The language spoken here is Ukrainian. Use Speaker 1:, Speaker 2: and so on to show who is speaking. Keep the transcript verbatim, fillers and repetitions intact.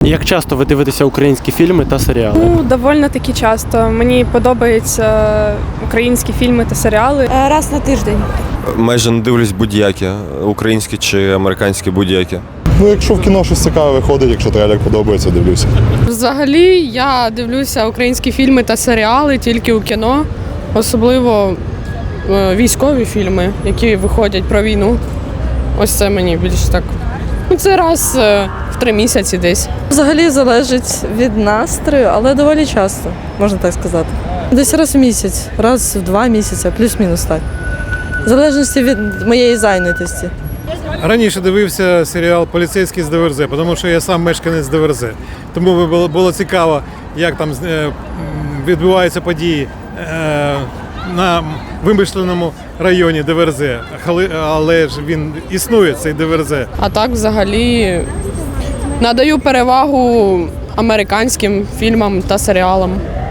Speaker 1: Як часто ви дивитеся українські фільми та серіали?
Speaker 2: Ну, доволі таки часто. Мені подобаються українські фільми та серіали.
Speaker 3: Раз на тиждень.
Speaker 4: Майже не дивлюсь будь-які, українські чи американські будь-які.
Speaker 5: Ну, якщо в кіно щось цікаве виходить, якщо трейлер подобається, дивлюся.
Speaker 6: Взагалі я дивлюся українські фільми та серіали тільки у кіно, особливо е, військові фільми, які виходять про війну. Ось це мені більш так. Ну, це раз е, в три місяці десь.
Speaker 7: Взагалі залежить від настрою, але доволі часто, можна так сказати. Десь раз в місяць, раз в два місяці, плюс-мінус так. В залежності від моєї зайнятості.
Speaker 8: Раніше дивився серіал «Поліцейський з ДВРЗ», тому що я сам мешканець ДВРЗ. Тому було, було цікаво, як там е, відбуваються події е, на вимишленому районі ДВРЗ. Але, але ж він існує, цей ДВРЗ.
Speaker 6: А так взагалі надаю перевагу американським фільмам та серіалам.